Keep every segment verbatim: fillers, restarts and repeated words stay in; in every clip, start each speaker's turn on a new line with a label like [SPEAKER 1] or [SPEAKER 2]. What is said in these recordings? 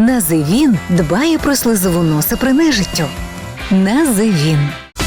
[SPEAKER 1] Називін дбає про слизову носа при нежиттю. Називін.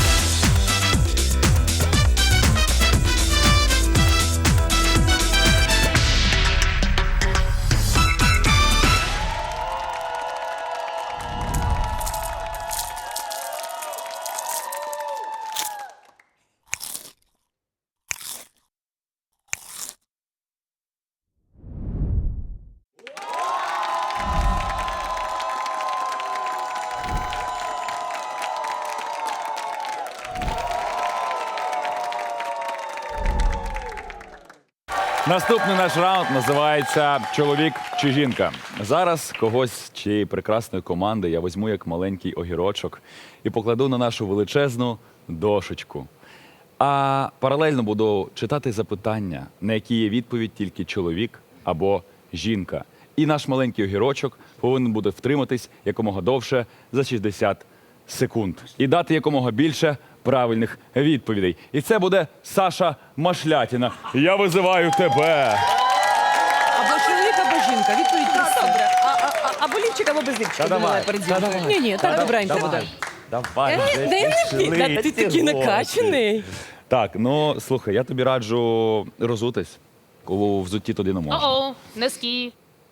[SPEAKER 2] Наступний наш раунд називається «Чоловік чи жінка». Зараз когось з цієї прекрасної команди я візьму як маленький огірочок і покладу на нашу величезну дошечку. А паралельно буду читати запитання, на які є відповідь тільки чоловік або жінка. І наш маленький огірочок повинен буде втриматись якомога довше за шістдесят секунд. І дати якомога більше правильних відповідей. І це буде Саша Машлятіна. Я визиваю тебе.
[SPEAKER 3] Або чоловік, або жінка. Відповідь проста. Добре. А, а, а, або лівчик, або без лівчика.
[SPEAKER 2] Та давай,
[SPEAKER 3] перед
[SPEAKER 2] та
[SPEAKER 3] жінкою.
[SPEAKER 2] давай.
[SPEAKER 3] Ні, ні, так добренько буде.
[SPEAKER 2] Давай, вже
[SPEAKER 3] Дай
[SPEAKER 2] пішли
[SPEAKER 3] мені, ти
[SPEAKER 2] ці
[SPEAKER 3] такий
[SPEAKER 2] гроші.
[SPEAKER 3] накачаний.
[SPEAKER 2] Так, ну, слухай, я тобі раджу розутись. У взутті туди не можна.
[SPEAKER 4] О-о, носки.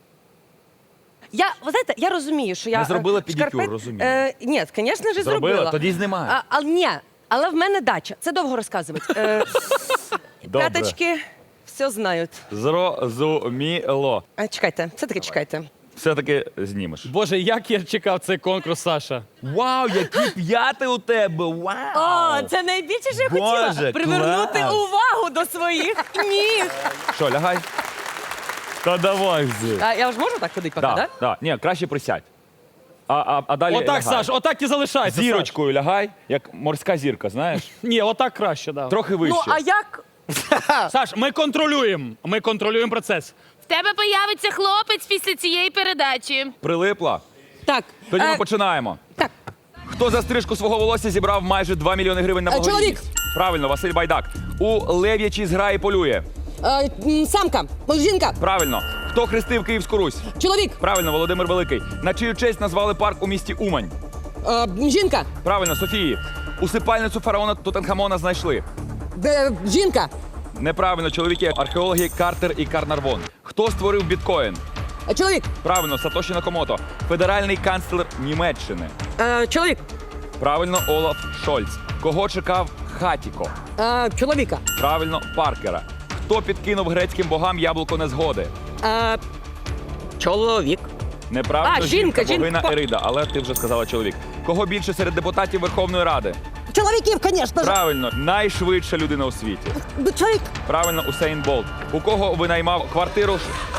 [SPEAKER 5] Я, ви знаєте, я розумію, що я...
[SPEAKER 2] Не зробила
[SPEAKER 5] е,
[SPEAKER 2] педикюр,
[SPEAKER 5] шкарпет-
[SPEAKER 2] розумію.
[SPEAKER 5] Е, ні, звісно ж,
[SPEAKER 2] Зробила?
[SPEAKER 5] зробила.
[SPEAKER 2] Тоді знімай.
[SPEAKER 5] А, а, ні, але в мене дача. Це довго розказувати. Е,
[SPEAKER 2] Добре.
[SPEAKER 5] п'яточки все знають.
[SPEAKER 2] Зрозуміло.
[SPEAKER 5] А, чекайте, все-таки чекайте.
[SPEAKER 2] Все-таки знімеш.
[SPEAKER 6] Боже, як я чекав цей конкурс, Саша.
[SPEAKER 2] Вау, які п'яти у тебе! Вау!
[SPEAKER 5] О, це найбільше, що я
[SPEAKER 2] Боже,
[SPEAKER 5] хотіла. Привернути
[SPEAKER 2] клас.
[SPEAKER 5] увагу до своїх ніг.
[SPEAKER 2] Що, лягай? Та давай вже.
[SPEAKER 5] А я ж можу так ходити поки,
[SPEAKER 2] Да,
[SPEAKER 5] так?
[SPEAKER 2] да. Ні, краще присядь. А, а, а далі
[SPEAKER 6] Отак,
[SPEAKER 2] лягай.
[SPEAKER 6] Саш, отак і залишайся.
[SPEAKER 2] Зірочкою лягай, як морська зірка, знаєш?
[SPEAKER 6] Саш. Ні, отак краще, да.
[SPEAKER 2] Трохи вище.
[SPEAKER 5] Ну, а як?
[SPEAKER 6] Саш, ми контролюємо. Ми контролюємо процес.
[SPEAKER 4] В тебе появиться хлопець після цієї передачі.
[SPEAKER 2] Прилипла?
[SPEAKER 5] Так.
[SPEAKER 2] Тоді ми
[SPEAKER 5] е,
[SPEAKER 2] починаємо.
[SPEAKER 5] так.
[SPEAKER 2] Хто за стрижку свого волосся зібрав майже два мільйони гривень на
[SPEAKER 5] Е,
[SPEAKER 2] благодійність?
[SPEAKER 5] чоловік.
[SPEAKER 2] Правильно, Василь Байдак. У лев'ячій зграї полює.
[SPEAKER 5] Е, м, самка, жінка,
[SPEAKER 2] Правильно. Хто хрестив Київську Русь?
[SPEAKER 5] чоловік,
[SPEAKER 2] Правильно, Володимир Великий. На чию честь назвали парк у місті Умань?
[SPEAKER 5] е, жінка,
[SPEAKER 2] Правильно, Софії. Усипальницю фараона Тутанхамона знайшли.
[SPEAKER 5] е, жінка,
[SPEAKER 2] Неправильно, чоловіки. Археологи Картер і Карнарвон. Хто створив біткоін?
[SPEAKER 5] е, чоловік,
[SPEAKER 2] Правильно, Сатоші Накомото. Федеральний канцлер Німеччини.
[SPEAKER 5] е, чоловік,
[SPEAKER 2] Правильно, Олаф Шольц. Кого чекав Хатіко?
[SPEAKER 5] е, чоловіка,
[SPEAKER 2] Правильно, Паркера. Хто підкинув грецьким богам яблуко незгоди?
[SPEAKER 5] е, чоловік.
[SPEAKER 2] Неправильно,
[SPEAKER 5] А, жінка, жінка.
[SPEAKER 2] богиня Ерида, але ти вже сказала чоловік. Кого більше серед депутатів Верховної Ради?
[SPEAKER 5] Чоловіків, звісно ж.
[SPEAKER 2] Правильно, найшвидша людина у світі.
[SPEAKER 5] Чоловік.
[SPEAKER 2] Правильно, Усейн Болт. У кого винаймав квартиру?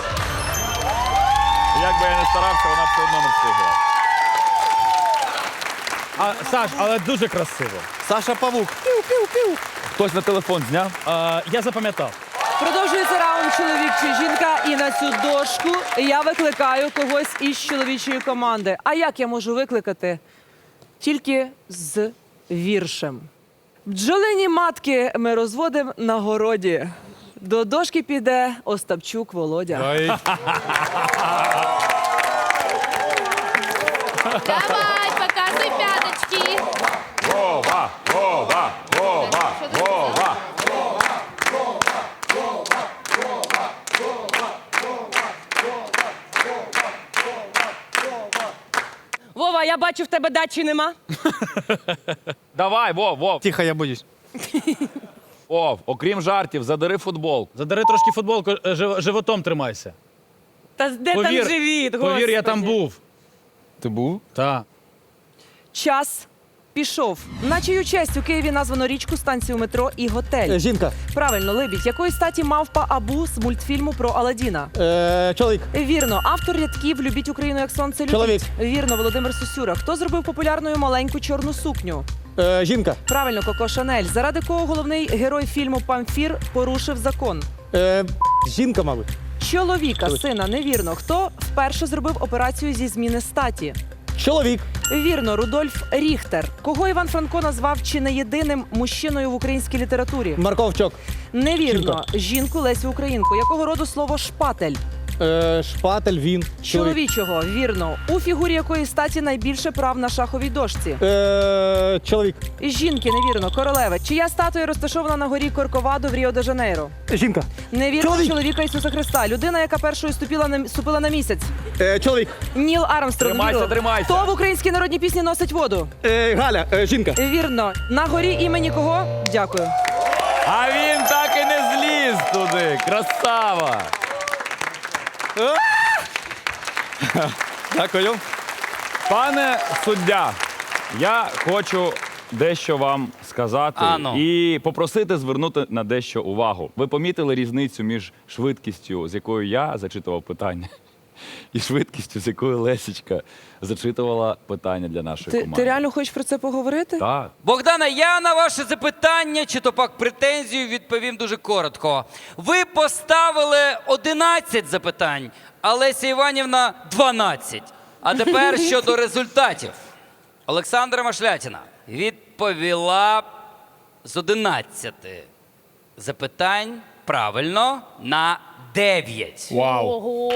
[SPEAKER 2] Як би я не старався, вона все одно не встигла.
[SPEAKER 6] А, Саш, але дуже красиво.
[SPEAKER 7] Саша Павук.
[SPEAKER 2] Хтось на телефон зняв?
[SPEAKER 6] А, я запам'ятав.
[SPEAKER 3] Продовжується раунд чоловік чи жінка. І на цю дошку я викликаю когось із чоловічої команди. А як я можу викликати? Тільки з віршем. Бджолині матки ми розводимо на городі. До дошки піде Остапчук Володя.
[SPEAKER 4] Давай, показуй п'яточки.
[SPEAKER 2] Вова, Вова, Вова, Вова.
[SPEAKER 5] Вова, я бачу, в тебе дачі нема.
[SPEAKER 2] Давай, Вов, Вов.
[SPEAKER 7] Тихо, я боюсь.
[SPEAKER 2] Вов, окрім жартів, задери футбол.
[SPEAKER 6] Задари трошки футболку, е, жив- животом тримайся.
[SPEAKER 5] Та де
[SPEAKER 6] Повір,
[SPEAKER 5] там живіт,
[SPEAKER 6] повір, я
[SPEAKER 5] Господи.
[SPEAKER 6] там був.
[SPEAKER 7] Ти був?
[SPEAKER 6] Так.
[SPEAKER 3] Час пішов. На чию честь у Києві названо річку, станцію метро і готель.
[SPEAKER 7] Жінка.
[SPEAKER 3] Правильно, Либідь. Якої статі мавпа Абу з мультфільму про Аладдіна?
[SPEAKER 7] Е, чоловік.
[SPEAKER 3] Вірно. Автор рядків «Любіть Україну, як сонце любить».
[SPEAKER 7] Чоловік.
[SPEAKER 3] Вірно, Володимир Сосюра. Хто зробив популярною маленьку чорну сукню?
[SPEAKER 7] Е, жінка.
[SPEAKER 3] Правильно, Коко Шанель. Заради кого головний герой фільму «Памфір» порушив закон?
[SPEAKER 7] Е, жінка, мабуть.
[SPEAKER 3] Чоловіка, сина, невірно. Хто вперше зробив операцію зі зміни статі?
[SPEAKER 7] Чоловік.
[SPEAKER 3] Вірно, Рудольф Ріхтер. Кого Іван Франко назвав чи не єдиним мужчиною в українській літературі?
[SPEAKER 7] Марковчок.
[SPEAKER 3] Невірно. Жінку Лесю Українку. Якого роду слово шпатель?
[SPEAKER 7] Е, шпатель, він. Чоловік.
[SPEAKER 3] Чоловічого, вірно. У фігурі якої статі найбільше прав на шаховій дошці?
[SPEAKER 7] Е, чоловік.
[SPEAKER 3] Жінки, невірно. Королеви. Чия статуя розташована на горі Корковадо в Ріо-де-Жанейро?
[SPEAKER 7] Жінка.
[SPEAKER 3] Невірно.
[SPEAKER 7] Чоловік.
[SPEAKER 3] Чоловіка Ісуса Христа. Людина, яка першою ступила на, ступила на місяць.
[SPEAKER 7] Е, чоловік.
[SPEAKER 3] Ніл Армстронг.
[SPEAKER 2] Тримайся,
[SPEAKER 3] вірно.
[SPEAKER 2] тримайся.
[SPEAKER 3] Хто в українській народній пісні носить воду?
[SPEAKER 7] Е, Галя. Е, жінка.
[SPEAKER 3] Вірно. На горі імені кого? Дякую.
[SPEAKER 2] А він так і не зліз туди. Красава!
[SPEAKER 7] Дякую.
[SPEAKER 2] Пане суддя, я хочу дещо вам сказати
[SPEAKER 6] Ано.
[SPEAKER 2] і попросити звернути на дещо увагу. Ви помітили різницю між швидкістю, з якою я зачитував питання, і швидкістю, з якою Лесічка зачитувала питання для нашої
[SPEAKER 3] Ти,
[SPEAKER 2] команди.
[SPEAKER 3] ти реально хочеш про це поговорити?
[SPEAKER 2] Так.
[SPEAKER 8] Богдана, я на ваше запитання чи то пак претензію відповім дуже коротко. Ви поставили одинадцять запитань, а Леся Іванівна дванадцять. А тепер щодо результатів. Олександра Машлятіна відповіла з одинадцяти запитань правильно на дев'ять.
[SPEAKER 4] Ого!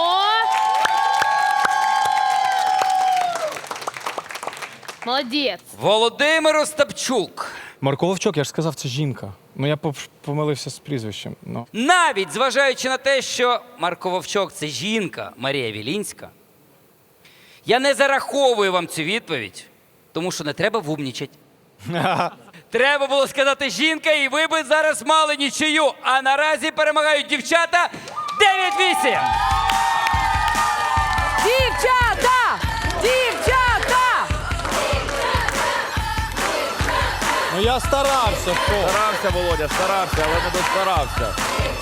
[SPEAKER 4] Молодець.
[SPEAKER 8] Володимир Остапчук.
[SPEAKER 9] Марко Вовчок, я ж сказав, це жінка. Ну я поп- помилився з прізвищем. Ну.
[SPEAKER 8] Навіть зважаючи на те, що Марко Вовчок – це жінка Марія Вілінська, я не зараховую вам цю відповідь, тому що не треба вумнічать. Треба було сказати жінка, і ви би зараз мали нічию. А наразі перемагають дівчата дев'ять-вісім.
[SPEAKER 3] Дівчата! Дівчата!
[SPEAKER 7] Ну я старався. Що?
[SPEAKER 2] Старався, Володя, старався, але не достарався.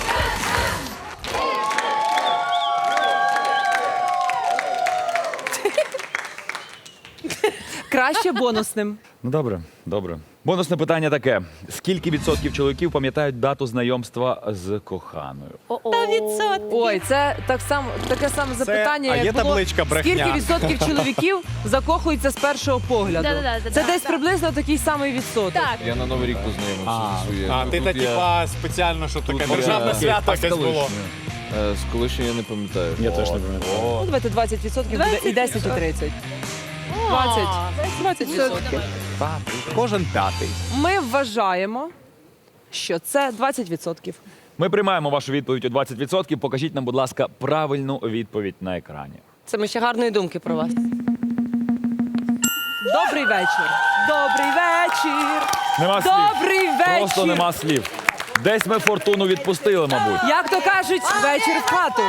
[SPEAKER 3] Краще бонусним.
[SPEAKER 2] Ну добре, добре. Бонусне питання таке: скільки відсотків чоловіків пам'ятають дату знайомства з коханою?
[SPEAKER 3] Ой, це так само таке саме запитання.
[SPEAKER 7] а
[SPEAKER 3] як
[SPEAKER 7] є
[SPEAKER 3] було,
[SPEAKER 7] табличка брехня?
[SPEAKER 3] Скільки відсотків чоловіків закохуються з першого погляду?
[SPEAKER 4] Да-да-да,
[SPEAKER 3] Це
[SPEAKER 4] да,
[SPEAKER 3] десь
[SPEAKER 4] да.
[SPEAKER 3] приблизно такий самий відсоток.
[SPEAKER 4] Так.
[SPEAKER 10] Я на Новий рік познайомився зі своєю.
[SPEAKER 7] А,
[SPEAKER 10] Ну,
[SPEAKER 7] ти
[SPEAKER 10] тут
[SPEAKER 7] та
[SPEAKER 10] я,
[SPEAKER 7] типа спеціально, щоб таке
[SPEAKER 10] я-
[SPEAKER 7] державне
[SPEAKER 10] Окей,
[SPEAKER 7] свято
[SPEAKER 10] а з
[SPEAKER 7] якесь було.
[SPEAKER 10] колишньою? Е, З колишньою я не пам'ятаю.
[SPEAKER 7] Я теж не пам'ятаю.
[SPEAKER 3] Ну, давайте двадцять відсотків буде і десять, і тридцять. двадцять. двадцять відсотків.
[SPEAKER 7] Кожен п'ятий.
[SPEAKER 3] Ми вважаємо, що це двадцять відсотків.
[SPEAKER 2] Ми приймаємо вашу відповідь у двадцять відсотків. Покажіть нам, будь ласка, правильну відповідь на екрані.
[SPEAKER 5] Це ми ще гарної думки про вас.
[SPEAKER 3] Добрий вечір. Добрий вечір.
[SPEAKER 2] Нема слів.
[SPEAKER 3] Добрий вечір.
[SPEAKER 2] Просто нема слів. Десь ми фортуну відпустили, мабуть.
[SPEAKER 3] Як то кажуть, вечір в хату.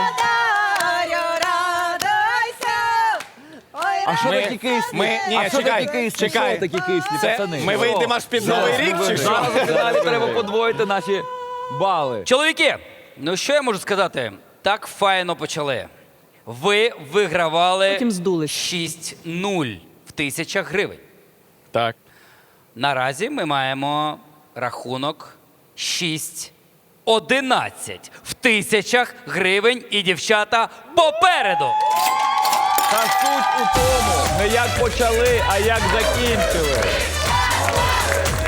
[SPEAKER 2] А що
[SPEAKER 7] Ми-
[SPEAKER 2] такі кислі?
[SPEAKER 7] ми- ні,
[SPEAKER 2] а що
[SPEAKER 7] чекай,
[SPEAKER 2] такі кислі?
[SPEAKER 7] чекай.
[SPEAKER 2] Що такі кислі,
[SPEAKER 7] Це
[SPEAKER 2] пацани?
[SPEAKER 7] ми вийдемо аж під Новий рік чи що?
[SPEAKER 2] Зараз в фіналі треба подвоїти наші бали.
[SPEAKER 8] Чоловіки, ну що я можу сказати? Так файно почали. Ви вигравали
[SPEAKER 3] Потім здулись.
[SPEAKER 8] шість нуль в тисячах гривень.
[SPEAKER 9] Так.
[SPEAKER 8] Наразі ми маємо рахунок шість одинадцять в тисячах гривень, і дівчата попереду.
[SPEAKER 2] Та суть у тому, не як почали, а як закінчили.